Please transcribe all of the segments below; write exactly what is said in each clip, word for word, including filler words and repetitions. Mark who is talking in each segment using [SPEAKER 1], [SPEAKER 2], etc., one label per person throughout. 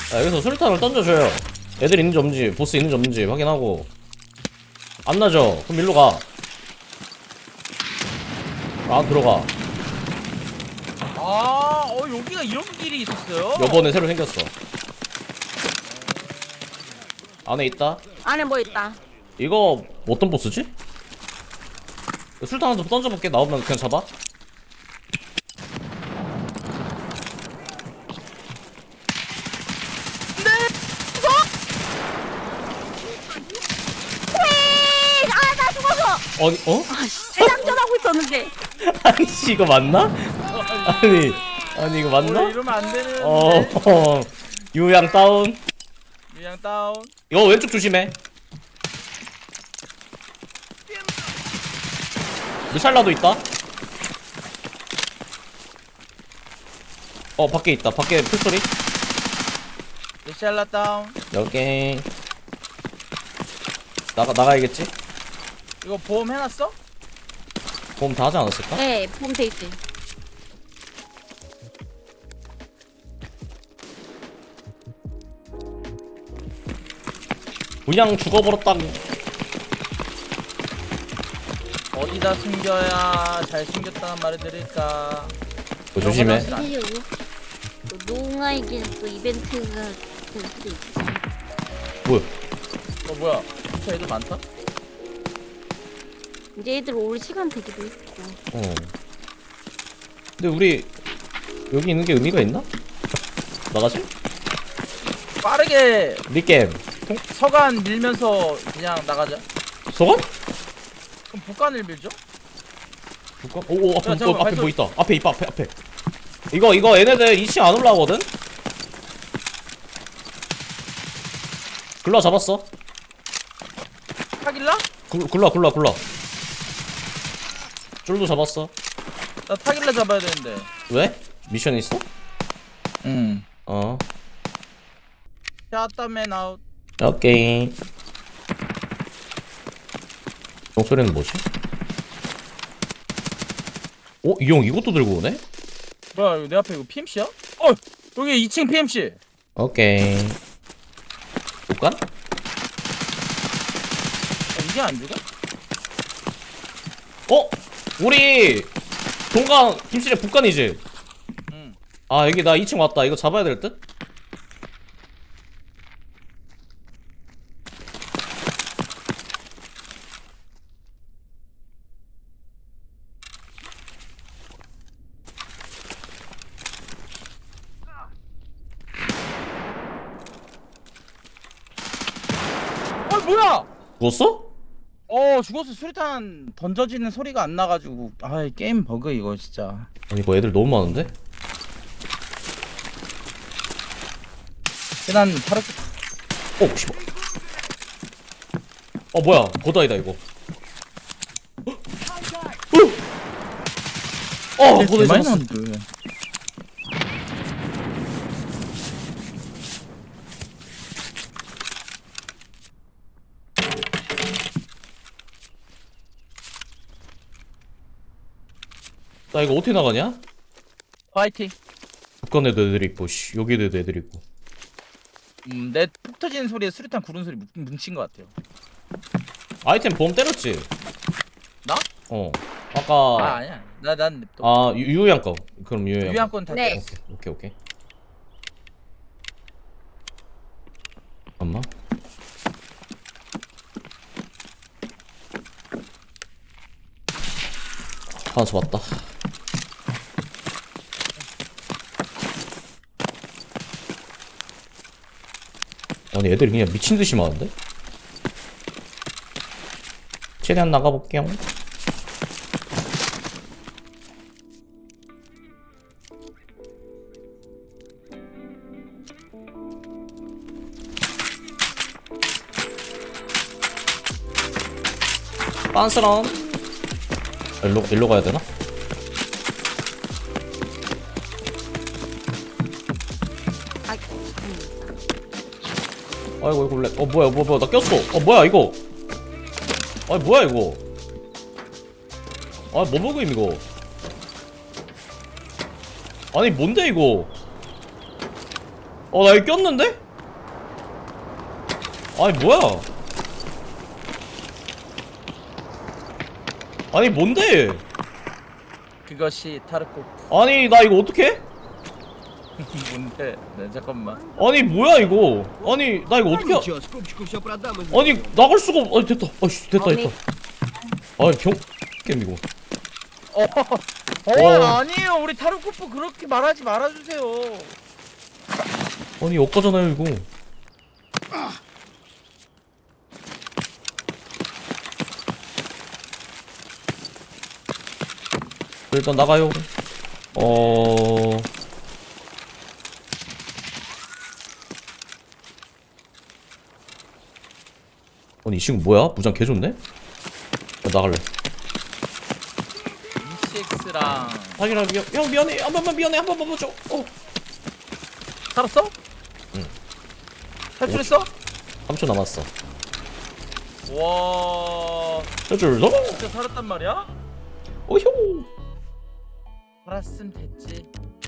[SPEAKER 1] 자, 여기서 수류탄을 던져줘요. 애들 있는지 없는지, 보스 있는지 없는지 확인하고. 안 나죠? 그럼 일로 가. 안 들어가.
[SPEAKER 2] 아, 어 여기가 이런 길이 있었어요?
[SPEAKER 1] 요번에 새로 생겼어. 안에 있다.
[SPEAKER 3] 안에 뭐 있다.
[SPEAKER 1] 이거 어떤 보스지? 술탄 하나 더 던져볼게. 나오면 그냥 잡아.
[SPEAKER 3] 왜? 아, 나 죽었어.
[SPEAKER 1] 아니 어?
[SPEAKER 3] 아씨, 재장전하고 있었는데.
[SPEAKER 1] 아니 씨, 이거 맞나? 아니 아니 이거 맞나?
[SPEAKER 2] 어, 이러면 안 되는데.
[SPEAKER 1] 어, 어 유양 다운.
[SPEAKER 2] 유양 다운.
[SPEAKER 1] 이거 왼쪽 조심해. 미살라도 있다. 어 밖에 있다. 밖에 풀소리.
[SPEAKER 2] 레샬라 다운.
[SPEAKER 1] 여기 나가 나가야겠지?
[SPEAKER 2] 이거 보험 해놨어?
[SPEAKER 1] 보험 다 하지 않았을까?
[SPEAKER 3] 네, 폼돼 있지.
[SPEAKER 1] 그냥 죽어버렸다고.
[SPEAKER 2] 어디다 숨겨야 잘 숨겼다는 말을 들을까?
[SPEAKER 1] 어, 조심해.
[SPEAKER 3] 이게 농아에게 또 이벤트가 될 수도 있지.
[SPEAKER 1] 뭐야?
[SPEAKER 2] 어 뭐야? 저 애들 많다?
[SPEAKER 3] 이제 애들 올 시간 되기도 있고.
[SPEAKER 1] 어. 근데 우리 여기 있는 게 의미가 있나? 나가지?
[SPEAKER 2] 빠르게
[SPEAKER 1] 리겜.
[SPEAKER 2] 서간 밀면서 그냥 나가자.
[SPEAKER 1] 소건?
[SPEAKER 2] 그럼 북간을 밀죠?
[SPEAKER 1] 볼까? 오오 앞에
[SPEAKER 2] 야,
[SPEAKER 1] 뭐,
[SPEAKER 2] 잠깐만,
[SPEAKER 1] 앞에 뭐
[SPEAKER 2] 발소리.
[SPEAKER 1] 있다. 앞에 있다. 앞에 앞에. 이거 이거 얘네들 이 층 안 올라오거든? 굴러 잡았어.
[SPEAKER 2] 타길라?
[SPEAKER 1] 굴, 굴러 굴러 굴러. 쫄도 잡았어.
[SPEAKER 2] 나 타길라 잡아야 되는데.
[SPEAKER 1] 왜? 미션 있어?
[SPEAKER 2] 응.
[SPEAKER 1] 어.
[SPEAKER 2] 샷다맨 아웃.
[SPEAKER 1] 오케이. 목소리는 뭐지? 어? 이 형 이것도 들고 오네?
[SPEAKER 2] 뭐야 이거 내 앞에 이거 피엠씨야? 어! 여기 이 층 피엠씨.
[SPEAKER 1] 오케이. 볼까?
[SPEAKER 2] 아, 이게 안 죽어?
[SPEAKER 1] 어? 우리 동강 김씨의 북간이지?
[SPEAKER 2] 응.
[SPEAKER 1] 아 여기 나 이 층 왔다. 이거 잡아야 될 듯?
[SPEAKER 2] 어 뭐야?
[SPEAKER 1] 죽었어?
[SPEAKER 2] 어 죽었어. 수리탄 던져지는 소리가 안 나가지고 아 게임 버그 이거 진짜.
[SPEAKER 1] 아니 이거 애들 너무 많은데?
[SPEAKER 2] 난 바로
[SPEAKER 1] 어 씨발. 어 뭐야 보다이다 이거. 어! 어 보다이
[SPEAKER 2] 많이
[SPEAKER 1] 잡았어.
[SPEAKER 2] 나왔는데.
[SPEAKER 1] 나 이거 어떻게 나가냐?
[SPEAKER 2] 파이팅.
[SPEAKER 1] 북한에도 애들 있고 씨 여기도 애들 있고.
[SPEAKER 2] 음, 내 폭 터지는 소리에 수류탄 구른 소리 뭉- 뭉친 것 같아요.
[SPEAKER 1] 아이템 보험 때렸지?
[SPEAKER 2] 나?
[SPEAKER 1] 어
[SPEAKER 2] 아
[SPEAKER 1] 아까
[SPEAKER 2] 아니야. 나난
[SPEAKER 1] 아 유- 유효양 거. 그럼 유효양 거.
[SPEAKER 2] 유양권 다
[SPEAKER 3] 네.
[SPEAKER 2] 떼었어.
[SPEAKER 1] 오케이 오케이. 잠깐만. 하나 잡았다. 아니 애들이 그냥 미친듯이 많은데? 최대한 나가볼게요. 빤스런. 일로 일로 가야 되나?
[SPEAKER 3] 아, 음.
[SPEAKER 1] 아이고 이거 렉. 어 뭐야 뭐야 뭐야 나 꼈어. 어 뭐야 이거. 아니 뭐야 이거. 아뭐 먹음 이거. 아니 뭔데 이거. 어, 나 이거 꼈는데? 아니, 뭐야? 아니, 뭔데?
[SPEAKER 2] 그것이 타르코프.
[SPEAKER 1] 아니, 나 이거 어떡해?
[SPEAKER 2] 뭔데? 네, 잠깐만.
[SPEAKER 1] 아니, 뭐야, 이거? 아니, 나 이거 어떻게.
[SPEAKER 4] Ничего, скупщику все продам. и
[SPEAKER 1] 아니, 나갈 수가 없. 아니, 됐다. 아이씨, 됐다,
[SPEAKER 3] 어미.
[SPEAKER 1] 됐다. 아니, 병. 게임 이거.
[SPEAKER 2] 어, 어,
[SPEAKER 1] 어.
[SPEAKER 2] 아니에요. 우리 타르코프 그렇게 말하지 말아주세요.
[SPEAKER 1] 아니, 엇가잖아요, 이거. 일단 나가요. 어. 아니, 이 친구 뭐야? 무장 개 좋네? 나 나갈래.
[SPEAKER 2] 이씨엑스랑
[SPEAKER 1] 아니라 미안, 형 미안해. 한 번만 미안해. 한 번만 봐줘. 어.
[SPEAKER 2] 살았어?
[SPEAKER 1] 응.
[SPEAKER 2] 탈출했어?
[SPEAKER 1] 삼 초 남았어.
[SPEAKER 2] 와,
[SPEAKER 1] 해줄 너?
[SPEAKER 2] 진짜 살았단 말이야?
[SPEAKER 1] 어휴.
[SPEAKER 2] 살았으면 됐지.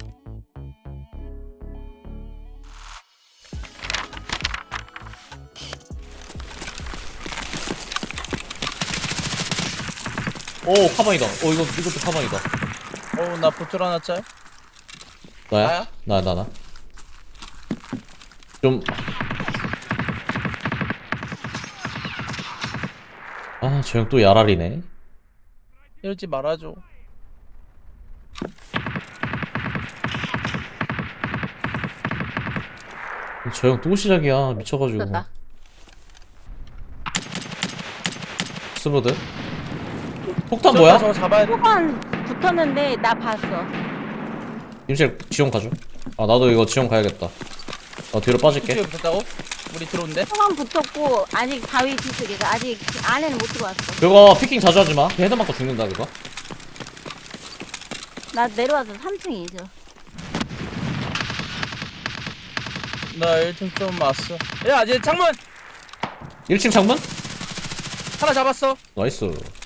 [SPEAKER 1] 오, 카방이다. 어, 이거 이것도 카방이다.
[SPEAKER 2] 어우, 나 보틀 하나 짤.
[SPEAKER 1] 나야?
[SPEAKER 2] 나야?
[SPEAKER 1] 나, 나, 나. 좀. 아, 저 형 또 야랄이네.
[SPEAKER 2] 이러지 말아줘.
[SPEAKER 1] 저 형 또 시작이야. 미쳐가지고.
[SPEAKER 3] 됐다.
[SPEAKER 1] 스보드. 폭탄 뭐야?
[SPEAKER 2] 저거 잡아야 돼.
[SPEAKER 3] 초반 붙었는데 나 봤어.
[SPEAKER 1] 임실 지원 가줘. 아, 나도 이거 지원 가야겠다. 나 뒤로 빠질게.
[SPEAKER 2] 뒤에 붙었다고? 우리 들어온대?
[SPEAKER 3] 초반 붙었고 아직 바위 뒤쪽에서 아직 안에는 못 들어왔어.
[SPEAKER 1] 그거 피킹 자주 하지 마. 헤드 맞고 죽는다 그거.
[SPEAKER 3] 나 내려와서 삼 층이죠.
[SPEAKER 2] 나 일 층 좀 왔어. 야, 이제 창문
[SPEAKER 1] 일 층 창문?
[SPEAKER 2] 하나 잡았어.
[SPEAKER 1] 나이스.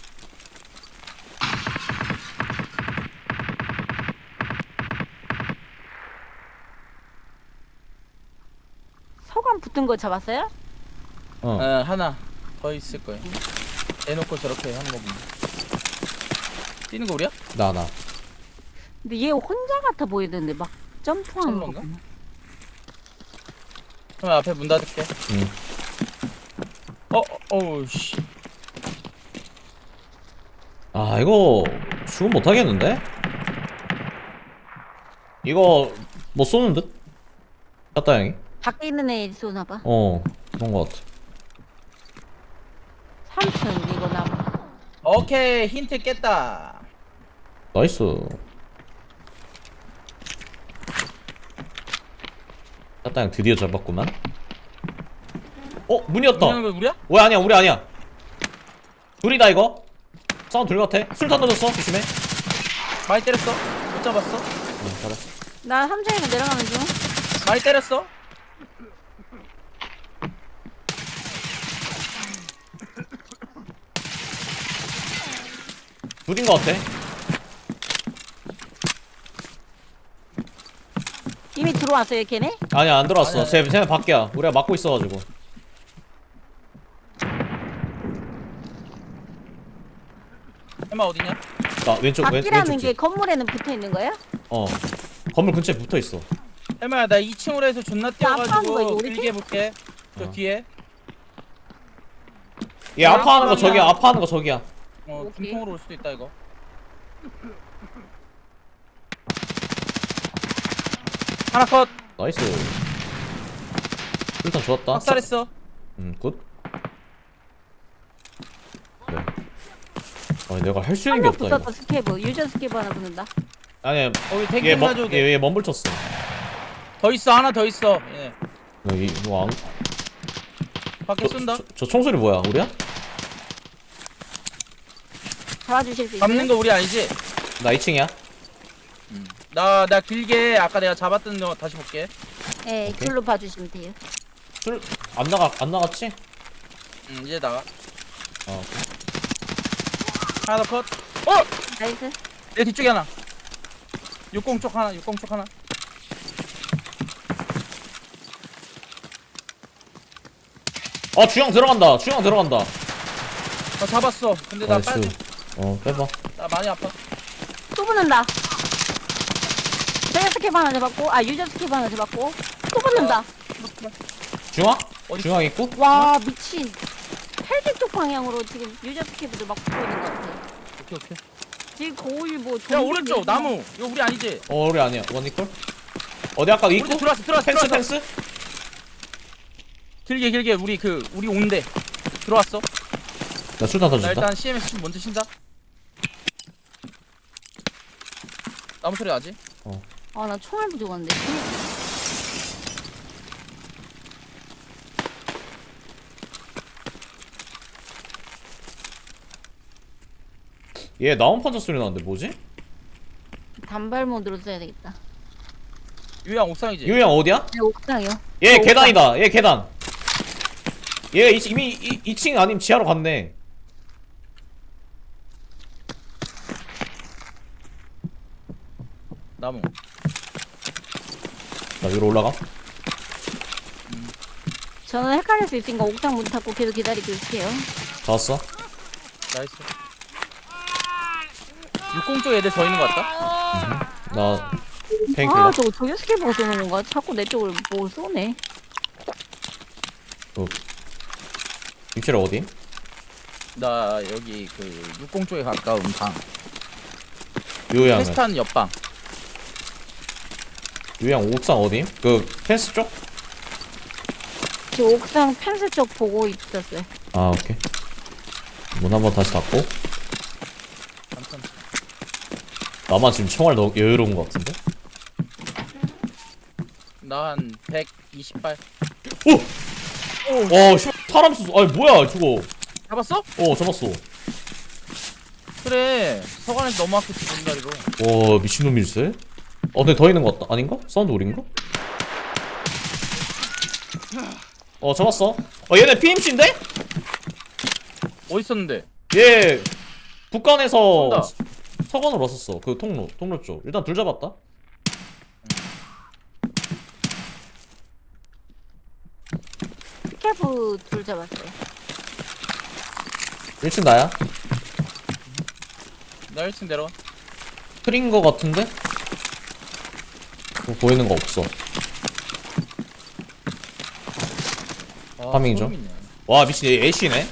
[SPEAKER 3] 서관 붙은 거 잡았어요?
[SPEAKER 1] 어.
[SPEAKER 2] 어, 하나 더 있을 거야. 대놓고 저렇게 하는 거 보면. 뛰는 거 우리야?
[SPEAKER 1] 나 나.
[SPEAKER 3] 근데 얘 혼자 같아 보이던데 막 점프하는 거.
[SPEAKER 2] 철로인가?
[SPEAKER 3] 보면.
[SPEAKER 2] 그럼 앞에 문 닫을게.
[SPEAKER 1] 응.
[SPEAKER 2] 어, 어, 어우 씨.
[SPEAKER 1] 아, 이거 죽음 못 하겠는데? 이거 못 쏘는 듯? 갔다 형이.
[SPEAKER 3] 밖에 있는 애 쏘나 봐.
[SPEAKER 1] 어, 그런 거 같아.
[SPEAKER 3] 삼 층 이거 나.
[SPEAKER 2] 오케이, 힌트 깼다.
[SPEAKER 1] 나이스. 갔다 형 드디어 잡았구만. 어, 문이었다.
[SPEAKER 2] 문하는 거 우리야?
[SPEAKER 1] 왜 아니야, 우리 아니야. 둘이다 이거. 사운드 둘 같아. 술탄 던졌어. 조심해.
[SPEAKER 2] 많이 때렸어. 못 잡았어.
[SPEAKER 1] 응, 잘했어.
[SPEAKER 3] 나 삼 층에서 내려가는 중.
[SPEAKER 2] 많이 때렸어.
[SPEAKER 1] 둘인 거 같아.
[SPEAKER 3] 이미 들어왔어요 걔네?
[SPEAKER 1] 아니야, 안 들어왔어.
[SPEAKER 2] 아니야,
[SPEAKER 1] 쟤, 쟤네 밖이야. 우리가 막고 있어가지고.
[SPEAKER 2] 해마 어디냐?
[SPEAKER 1] 나 왼쪽, 왼,
[SPEAKER 3] 밖이라는
[SPEAKER 1] 왼쪽
[SPEAKER 3] 게
[SPEAKER 1] 집.
[SPEAKER 3] 건물에는 붙어 있는 거야?
[SPEAKER 1] 어. 건물 근처에 붙어 있어.
[SPEAKER 2] 해마야, 나 이 층으로 해서 존나
[SPEAKER 3] 아파하는 거 이거
[SPEAKER 2] 뛰어가지고
[SPEAKER 3] 우리
[SPEAKER 2] 길게 볼게. 저
[SPEAKER 1] 어.
[SPEAKER 2] 뒤에.
[SPEAKER 1] 얘 아파하는 거
[SPEAKER 2] 사람이야.
[SPEAKER 1] 저기야. 아파하는 거 저기야.
[SPEAKER 2] 어,
[SPEAKER 3] 오케이.
[SPEAKER 2] 중통으로 올 수도 있다 이거. 하나 컷.
[SPEAKER 1] 나이스. 일단 좋았다.
[SPEAKER 2] 박살했어.
[SPEAKER 1] 음, 굿. 그래. 아니, 내가 할 수 있는 게
[SPEAKER 3] 한명
[SPEAKER 1] 없다,
[SPEAKER 3] 붙었다
[SPEAKER 1] 이거.
[SPEAKER 3] 스케브. 유저 스케브 하나 붙는다.
[SPEAKER 1] 아니야,
[SPEAKER 2] 거기
[SPEAKER 1] 얘,
[SPEAKER 2] 탱킹
[SPEAKER 1] 멈,
[SPEAKER 2] 가져도
[SPEAKER 1] 얘,
[SPEAKER 2] 돼.
[SPEAKER 1] 얘 멈불 쳤어.
[SPEAKER 2] 더 있어, 하나 더 있어. 얘네.
[SPEAKER 1] 여기, 이거 안.
[SPEAKER 2] 밖에
[SPEAKER 1] 저,
[SPEAKER 2] 쏜다.
[SPEAKER 1] 저, 저 총소리 뭐야? 우리야?
[SPEAKER 3] 잡아주실 수
[SPEAKER 2] 잡는
[SPEAKER 3] 있어요?
[SPEAKER 2] 거 우리 아니지?
[SPEAKER 1] 나 이 층이야.
[SPEAKER 2] 나, 나 길게 아까 내가 잡았던 거 다시 볼게.
[SPEAKER 3] 네,
[SPEAKER 1] 오케이.
[SPEAKER 3] 글로 봐주시면 돼요.
[SPEAKER 1] 술, 안 나가, 안 나갔지?
[SPEAKER 2] 응, 이제 나가.
[SPEAKER 1] 어.
[SPEAKER 2] 하나 더 컷. 어!
[SPEAKER 3] 나이스.
[SPEAKER 2] 내 뒤쪽에 하나. 육공 쪽 하나, 육공 쪽 하나.
[SPEAKER 1] 아 주영 들어간다. 주영 들어간다.
[SPEAKER 2] 나 잡았어. 근데 나
[SPEAKER 1] 나이스.
[SPEAKER 2] 빨리.
[SPEAKER 1] 어 빼봐.
[SPEAKER 2] 나 많이 아파.
[SPEAKER 3] 또 붙는다. 제가 스킵 하나 잡았고, 아 유저 스킵 하나 잡았고, 또 붙는다.
[SPEAKER 1] 중앙?
[SPEAKER 2] 어디
[SPEAKER 1] 중앙 있고?
[SPEAKER 3] 와 미친. 헬기 쪽 방향으로 지금 유저 스킵을 막 붙고 있는 것 같아.
[SPEAKER 2] 오케이 오케이.
[SPEAKER 3] 지금 거울 뭐.
[SPEAKER 2] 야
[SPEAKER 3] 좀비
[SPEAKER 2] 오른쪽
[SPEAKER 3] 내리고.
[SPEAKER 2] 나무. 이거 우리 아니지?
[SPEAKER 1] 어 우리 아니야. 원니콜? 어디 아까 있고?
[SPEAKER 2] 오른쪽 들어왔어 들어왔어
[SPEAKER 1] 펜스
[SPEAKER 2] 들어왔어.
[SPEAKER 1] 펜스?
[SPEAKER 2] 길게 길게 우리 그 우리 온대. 들어왔어.
[SPEAKER 1] 나 술탄
[SPEAKER 2] 나
[SPEAKER 1] 던진다.
[SPEAKER 2] 일단 씨엠에스 좀 먼저 신다. 나무 소리 나지?
[SPEAKER 3] 아 나 총알 부족한데.
[SPEAKER 1] 얘 나온 판자 소리 나는데 뭐지?
[SPEAKER 3] 단발 모드로 써야 되겠다.
[SPEAKER 2] 유양 옥상이지?
[SPEAKER 1] 유영 어디야?
[SPEAKER 3] 네, 옥상이요.
[SPEAKER 1] 얘
[SPEAKER 3] 어,
[SPEAKER 1] 계단이다. 얘 계단. 얘 이- 이미 이, 이 층 아니면 지하로 갔네.
[SPEAKER 2] 나무.
[SPEAKER 1] 나 위로 올라가.
[SPEAKER 3] 저는 헷갈릴 수 있으니까 옥상 문 닫고 계속 기다리고 있을게요.
[SPEAKER 1] 다 왔어.
[SPEAKER 2] 나이스. 육공 쪽 애들 더 있는 것 같다.
[SPEAKER 1] 나 페인킬러.
[SPEAKER 3] 아 저거 저기 스케이트가 쏘는 건가? 자꾸 내 쪽을 뭐 쏘네.
[SPEAKER 1] 위치를 어디?
[SPEAKER 2] 나 여기 그 육공 쪽에 가까운 방.
[SPEAKER 1] 유영은.
[SPEAKER 2] 테스트하는 옆방.
[SPEAKER 1] 유영 옥상 어디? 그 펜스 쪽?
[SPEAKER 3] 저 옥상 펜스 쪽 보고 있었어요.
[SPEAKER 1] 아 오케이. 문 한번 다시 닫고.
[SPEAKER 2] 잠깐.
[SPEAKER 1] 나만 지금 총알 너무 여유로운 것 같은데?
[SPEAKER 2] 나한 백이십 발.
[SPEAKER 1] 오! 와, 씨, 사람 수, 아니 뭐야 저거?
[SPEAKER 2] 잡았어?
[SPEAKER 1] 어, 잡았어.
[SPEAKER 2] 그래. 서관에서 너무 아꼈지 분다리로.
[SPEAKER 1] 와, 미친놈일세? 어, 근데 더 있는 것 같다. 아닌가? 사운드 우린가? 어, 잡았어. 어, 얘네 피엠씨인데?
[SPEAKER 2] 어디 있었는데?
[SPEAKER 1] 얘 북한에서
[SPEAKER 2] 쏜다.
[SPEAKER 1] 서관으로 왔었어. 그 통로, 통로 쪽. 일단 둘 잡았다.
[SPEAKER 3] 스케프 둘 잡았어요.
[SPEAKER 1] 일 층 나야?
[SPEAKER 2] 나 일 층 내려가.
[SPEAKER 1] 틀인 거 같은데? 뭐 보이는 거 없어.
[SPEAKER 2] 아,
[SPEAKER 1] 파밍이죠.
[SPEAKER 2] 소름 있네.
[SPEAKER 1] 와, 미친, 얘 애쉬네?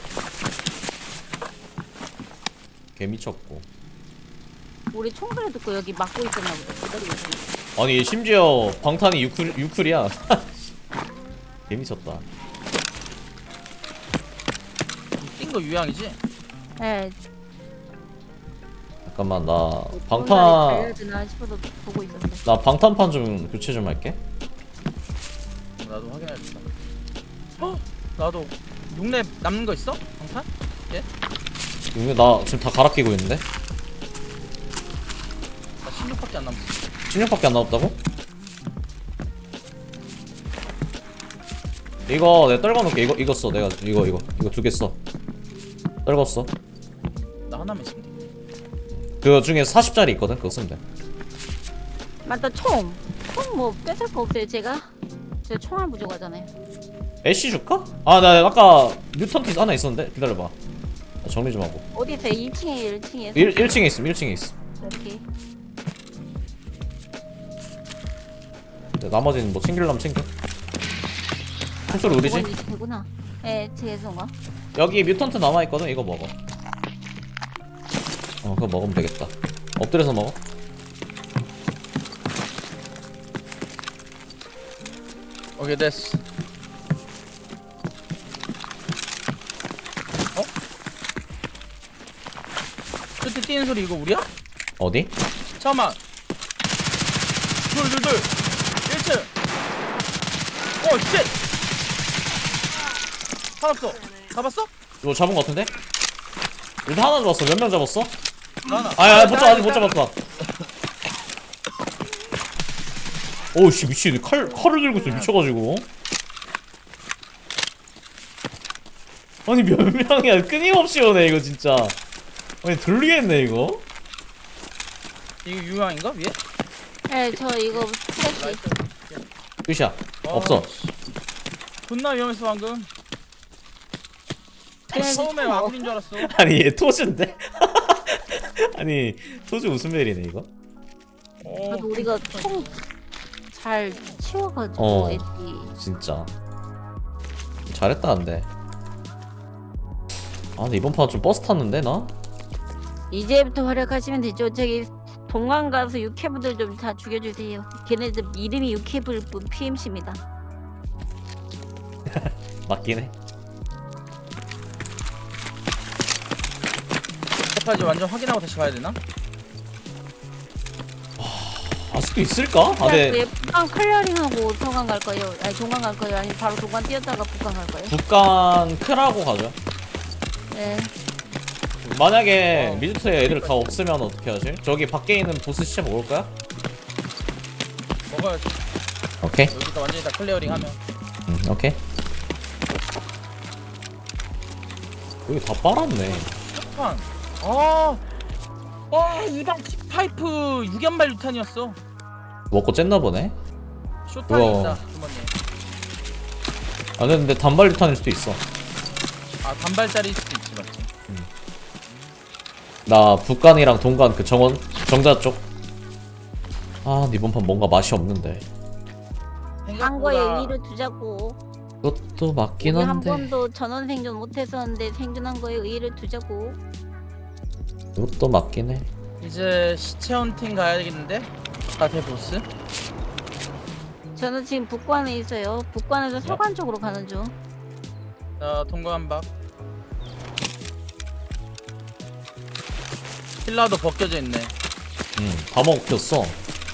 [SPEAKER 1] 개 미쳤고.
[SPEAKER 3] 우리 총소리 듣고 여기 막고 있었나 보다. 기다리고 있었나.
[SPEAKER 1] 아니, 얘 심지어 방탄이 유클, 유클이야. 개 미쳤다.
[SPEAKER 2] 뛴거 유양이지?
[SPEAKER 3] 네.
[SPEAKER 1] 잠깐만, 나
[SPEAKER 3] 달려야
[SPEAKER 1] 방탄,
[SPEAKER 3] 되나 싶어서 보고 있었어요.
[SPEAKER 1] 나 방탄판 좀 교체 좀 할게.
[SPEAKER 2] 나도 확인해야겠다. 어? 나도 육렙 남는 거 있어? 방탄?
[SPEAKER 1] 이거 나 지금 다 갈아 끼고 있는데?
[SPEAKER 2] 나 십육밖에 안 남았어.
[SPEAKER 1] 십육밖에 안 남았다고? 이거 내가 떨궈놓을게. 이거 이거 써. 내가 이거 이거 이거 두 개 써. 떨궜어.
[SPEAKER 2] 나 하나만 있으면 돼.
[SPEAKER 1] 그 중에 사십 짜리 있거든. 그거 쓰면 돼.
[SPEAKER 3] 맞다 총. 총 뭐 뺏을 거 없어요 제가. 제가 총알 부족하잖아요.
[SPEAKER 1] 애쉬 줄까? 아, 나 아까 뉴턴티 하나 있었는데. 기다려봐. 나 정리 좀 하고.
[SPEAKER 3] 어디 있어요? 이 층에 일 층에.
[SPEAKER 1] 일, 일 층에 있음. 일 층에 있음.
[SPEAKER 3] 이렇게.
[SPEAKER 1] 네, 나머지는 뭐 챙길라면 챙겨. 총소리 어디지?
[SPEAKER 3] 이건 이 되구나. 네, 제 손가.
[SPEAKER 1] 여기 뮤턴트 남아있거든. 이거 먹어. 어, 그거 먹으면 되겠다. 엎드려서 먹어.
[SPEAKER 2] 오케이 됐어. 어? 끝에 뛰는 소리 이거 우리야?
[SPEAKER 1] 어디?
[SPEAKER 2] 잠깐만. 둘둘둘 일 층. 오 쉣. 살았어. 잡았어?
[SPEAKER 1] 이거 잡은 거 같은데? 일단 하나 잡았어. 몇 명 잡았어?
[SPEAKER 2] 나 하나.
[SPEAKER 1] 아야, 못 잡, 아직 못 잡았다. 오우씨, 미친. 칼, 칼을 들고 있어. 미쳐가지고. 아니, 몇 명이야. 끊임없이 오네, 이거 진짜. 아니, 들리겠네, 이거.
[SPEAKER 2] 이거 유황인가 위에?
[SPEAKER 3] 네, 저 이거 프레시.
[SPEAKER 2] 나이스.
[SPEAKER 1] 끝이야.
[SPEAKER 2] 어,
[SPEAKER 1] 없어.
[SPEAKER 2] 존나 위험했어 방금. 처음에 마무리인 줄 알았어.
[SPEAKER 1] 아니 얘 토즈인데? 아니 토즈 웃음벨이네 이거.
[SPEAKER 2] 어,
[SPEAKER 3] 그래도 우리가 총 잘 치워가지고
[SPEAKER 1] 어.
[SPEAKER 3] 애들이.
[SPEAKER 1] 진짜 잘했다 근데. 아 근데 이번 판 좀 버스 탔는데 나?
[SPEAKER 3] 이제부터 활약하시면 되죠. 저기 동강 가서 육해부들 좀 다 죽여주세요. 걔네들 이름이 육해부일 뿐 피엠씨입니다.
[SPEAKER 1] 맞긴 해.
[SPEAKER 2] 대파지 완전 확인하고 다시 가야 되나?
[SPEAKER 1] 아직도 있을까? 아 근데
[SPEAKER 3] 북한 클리어링하고 동강 갈 거예요. 아니 동강 갈 거예요. 아니 바로 동강 뛰었다가 북한 갈 거예요.
[SPEAKER 1] 북한 크라고 가죠.
[SPEAKER 3] 네.
[SPEAKER 1] 만약에
[SPEAKER 2] 어.
[SPEAKER 1] 미드트에 애들 다 없으면 어떻게 하지? 저기 밖에 있는 보스 시체 먹을 거야?
[SPEAKER 2] 먹어야지.
[SPEAKER 1] 오케이.
[SPEAKER 2] 여기다 완전히 다 클리어링 하면.
[SPEAKER 1] 음, 오케이. 여기 다 빨았네.
[SPEAKER 2] 판. 아, 와 이방 파이프 육 연발 유탄이었어.
[SPEAKER 1] 먹고 쨌나 보네.
[SPEAKER 2] 쇼탄이
[SPEAKER 1] 우와.
[SPEAKER 2] 있다 주머니에.
[SPEAKER 1] 아 근데 단발 유탄일 수도 있어.
[SPEAKER 2] 아 단발짜리일 수도 있지 맞지?
[SPEAKER 1] 나 북간이랑 동간 그 정원 정자 쪽. 아 근데 이번 판 뭔가 맛이 없는데.
[SPEAKER 3] 한 거에 의의를 두자고.
[SPEAKER 1] 그것도 맞긴
[SPEAKER 3] 우리 한
[SPEAKER 1] 한데.
[SPEAKER 3] 번도 전원 생존 못했었는데 생존한 거에 의의를 두자고.
[SPEAKER 1] 그것도 맞긴 해.
[SPEAKER 2] 이제 시체 헌팅 가야 되겠는데? 가대 보스?
[SPEAKER 3] 저는 지금 북관에 있어요. 북관에서 서관 쪽으로 가는 중.
[SPEAKER 2] 자 동거 한박. 힐라도 벗겨져 있네.
[SPEAKER 1] 응다 먹혔어.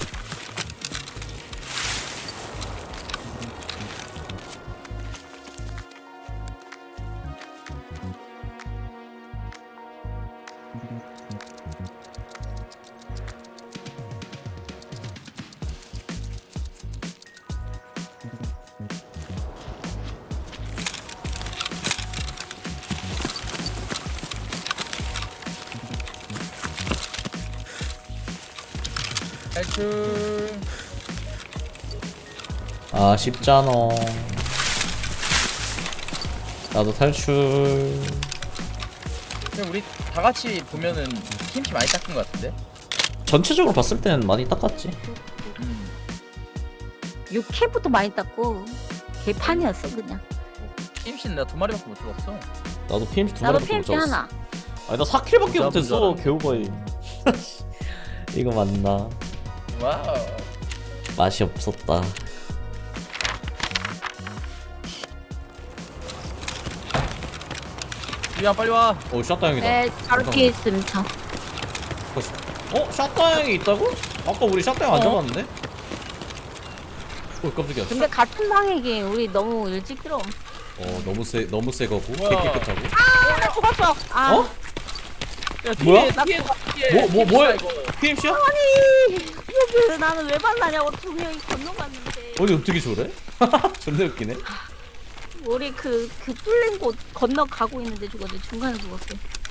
[SPEAKER 2] 탈출.
[SPEAKER 1] 아쉽잖아. 나도 탈출.
[SPEAKER 2] 근데 우리 다 같이 보면은 팀치 많이 닦은 것 같은데?
[SPEAKER 1] 전체적으로 봤을 때는 많이 닦았지.
[SPEAKER 2] 음.
[SPEAKER 3] 육회부터 많이 땄고 개판이었어 그냥.
[SPEAKER 2] 팀치는 나 두 마리밖에 못 죽었어.
[SPEAKER 1] 나도 피엠씨 두
[SPEAKER 3] 나도
[SPEAKER 1] 마리밖에 못
[SPEAKER 3] 피엠씨
[SPEAKER 1] 잡았어.
[SPEAKER 3] 하나.
[SPEAKER 1] 아니 나 사 킬밖에
[SPEAKER 2] 잡은
[SPEAKER 1] 못했어.
[SPEAKER 2] 줄 알았네.
[SPEAKER 1] 겨우거의. 이거 맞나?
[SPEAKER 2] 와우.
[SPEAKER 1] 맛이 없었다.
[SPEAKER 2] 유야 빨리 와.
[SPEAKER 1] 오 샷다형이다.
[SPEAKER 3] 네, 바로 뒤에 있음 저.
[SPEAKER 1] 어? 샷다형이 있다고? 아까 우리 샷다형 안
[SPEAKER 2] 어.
[SPEAKER 1] 잡았는데? 오 깜짝이야.
[SPEAKER 3] 근데 같은 방이긴 우리 너무 일찍 들어.
[SPEAKER 1] 어 너무 세 너무 세 거고 개
[SPEAKER 2] 우와.
[SPEAKER 1] 깨끗하고.
[SPEAKER 3] 아, 나 죽었어. 아,
[SPEAKER 1] 어?
[SPEAKER 2] 야,
[SPEAKER 1] 뭐야?
[SPEAKER 2] 뒤에, 뒤에, 뒤에.
[SPEAKER 1] 뭐 뭐 뭐야?
[SPEAKER 2] 이거.
[SPEAKER 1] 피엠씨야?
[SPEAKER 3] 아니 이거 왜 나는 왜 만나냐고 두 명이 건너갔는데.
[SPEAKER 1] 어디 어떻게 저래? 존나 웃기네.
[SPEAKER 3] 우리 그, 그 뚫린 곳 건너가고 있는데 죽었는데 중간에 죽었어.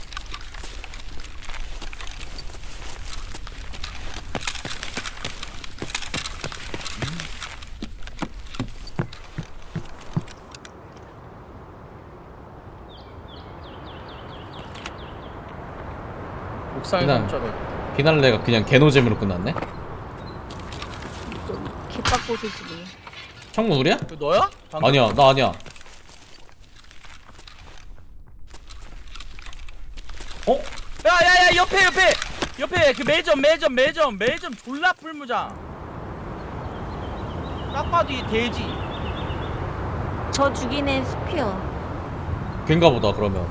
[SPEAKER 2] 옥상에
[SPEAKER 1] 그냥-
[SPEAKER 2] 깜짝이
[SPEAKER 1] 비날레가 그냥 개노잼으로 끝났네.
[SPEAKER 3] 좀 개빡고수시네.
[SPEAKER 1] 창문 우리야?
[SPEAKER 2] 이거 너야? 방금?
[SPEAKER 1] 아니야 나 아니야. 어?
[SPEAKER 2] 야야야 옆에 옆에 옆에 그 매점 매점 매점 매점 졸라 풀무장. 딱 봐도 이 돼지.
[SPEAKER 3] 저 죽인 애 스피어.
[SPEAKER 1] 걔인가 보다 그러면.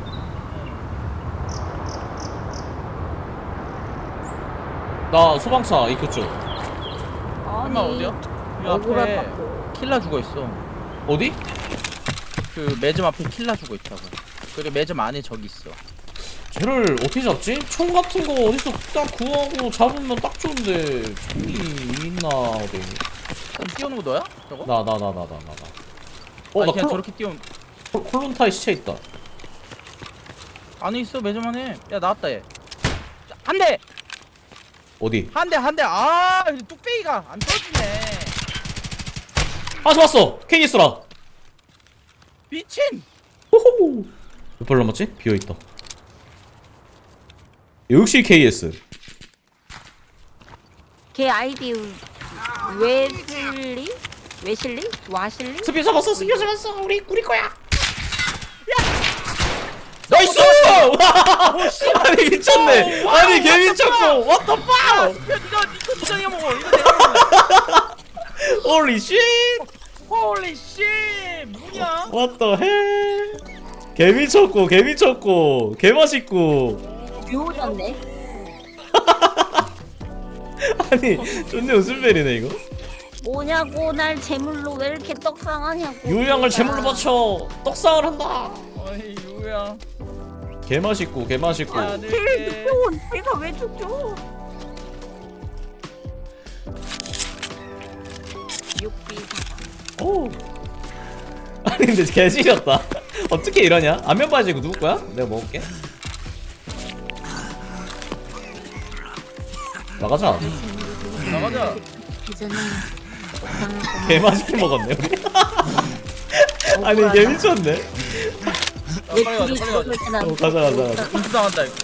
[SPEAKER 1] 나 소방차 입구 쪽.
[SPEAKER 3] 아니
[SPEAKER 2] 엄마 어디야? 이 앞에
[SPEAKER 3] 억울하다고.
[SPEAKER 2] 킬라 죽어 있어.
[SPEAKER 1] 어디?
[SPEAKER 2] 그 매점 앞에 킬라 죽어 있다고. 그리고 매점 안에 저기 있어.
[SPEAKER 1] 쟤를 어떻게 잡지? 총 같은 거 어디서 딱 구하고 잡으면 딱 좋은데 총이 있나 어디?
[SPEAKER 2] 그럼 뛰어오는 거 너야? 저거?
[SPEAKER 1] 나 나 나 나 나 나 나.
[SPEAKER 2] 어,
[SPEAKER 1] 어, 나
[SPEAKER 2] 그냥
[SPEAKER 1] 콜,
[SPEAKER 2] 저렇게 뛰어.
[SPEAKER 1] 콜, 콜론타이 시체 있다.
[SPEAKER 2] 안에 있어 매점 안에. 야 나왔다 얘. 한 대,
[SPEAKER 1] 어디?
[SPEAKER 2] 한 대, 한 대. 아, 뚝배기가 안 터지네.
[SPEAKER 1] 아, 좋았어. 케이스라.
[SPEAKER 2] 미친.
[SPEAKER 1] 호호. 몇 발 남았지? 비어있다. 역시 케이에스.
[SPEAKER 3] 걔 아이디 웨슬리? 웨실리? 와실리?
[SPEAKER 1] 스피어 잡았어 스피어 잡았어 우리 우리 거야. 나이스! 아니 미쳤네. 아니 개 미쳤고. What the fuck?
[SPEAKER 2] 야 니가 니가 니가 내가 먹어. 이거 내가 먹어.
[SPEAKER 1] Holy shit!
[SPEAKER 2] 홀리 씨 뭐냐?
[SPEAKER 1] What the hell? 개 미쳤고 개 미쳤고 개 맛있고.
[SPEAKER 3] 묘졌네.
[SPEAKER 1] 아니 존내 웃음벨이네 이거.
[SPEAKER 3] 뭐냐고 날 제물로 왜 이렇게 떡상하냐고.
[SPEAKER 1] 유양을 제물로 바쳐 떡상을 한다.
[SPEAKER 2] 어이 유야.
[SPEAKER 1] 개 맛있고 개 맛있고.
[SPEAKER 2] 야
[SPEAKER 3] 걔
[SPEAKER 2] 네.
[SPEAKER 3] 죽죠. 내가 왜 죽죠? 육비사과.
[SPEAKER 1] 오. 아니 근데 개 지렸다. 어떻게 이러냐? 안면 바지 이거 누구 거야? 내가 먹을게. 나가자.
[SPEAKER 2] 나가자.
[SPEAKER 3] 이제는
[SPEAKER 1] 개 맛있게 먹었네 우리. 아니 개 미쳤네.
[SPEAKER 2] 야,
[SPEAKER 3] 왜
[SPEAKER 2] 빨리 가자
[SPEAKER 3] 둘이
[SPEAKER 2] 빨리 가자.
[SPEAKER 3] 들어갈 때는
[SPEAKER 1] 어, 가자 가자 가자.
[SPEAKER 2] 공수 당한다 이거.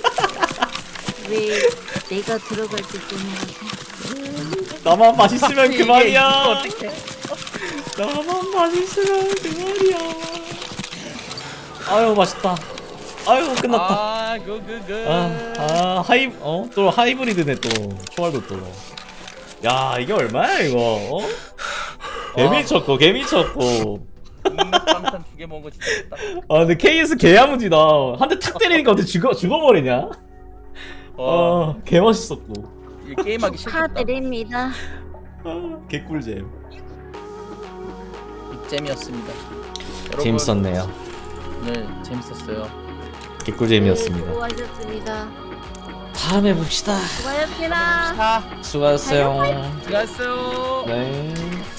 [SPEAKER 3] 왜 내가 들어갈 때 뜨는 거지?
[SPEAKER 1] 나만 맛있으면 그만이야.
[SPEAKER 2] 어떡해?
[SPEAKER 1] 나만 맛있으면 그만이야. 아유 맛있다. 아유 끝났다.
[SPEAKER 2] 아 그그그.
[SPEAKER 1] 아, 아 하이 어또 하이브리드네 또 총알도 또. 야 이게 얼마야 이거? 어? 개미쳤고 개미쳤고.
[SPEAKER 2] 깜짝 두개 먹은 거 진짜 좋다.
[SPEAKER 1] 아 근데 케이에스 개야무지다. 한 대 탁 때리니까 어떻게 죽어 죽어버리냐?
[SPEAKER 2] 어.
[SPEAKER 1] 아 개맛있었고.
[SPEAKER 2] 이 게임하기 싫겠다.
[SPEAKER 3] 축하드립니다.
[SPEAKER 1] 아, 개꿀잼.
[SPEAKER 2] 빅잼이었습니다. 여러분,
[SPEAKER 1] 재밌었네요.
[SPEAKER 2] 네 재밌었어요.
[SPEAKER 1] 개꿀잼이었습니다.
[SPEAKER 3] 네, 수고하셨습니다.
[SPEAKER 1] 다음에 봅시다.
[SPEAKER 3] 수고하셨습니다.
[SPEAKER 2] 자
[SPEAKER 1] 수고하셨어요.
[SPEAKER 2] 수고하셨어요.
[SPEAKER 1] 네.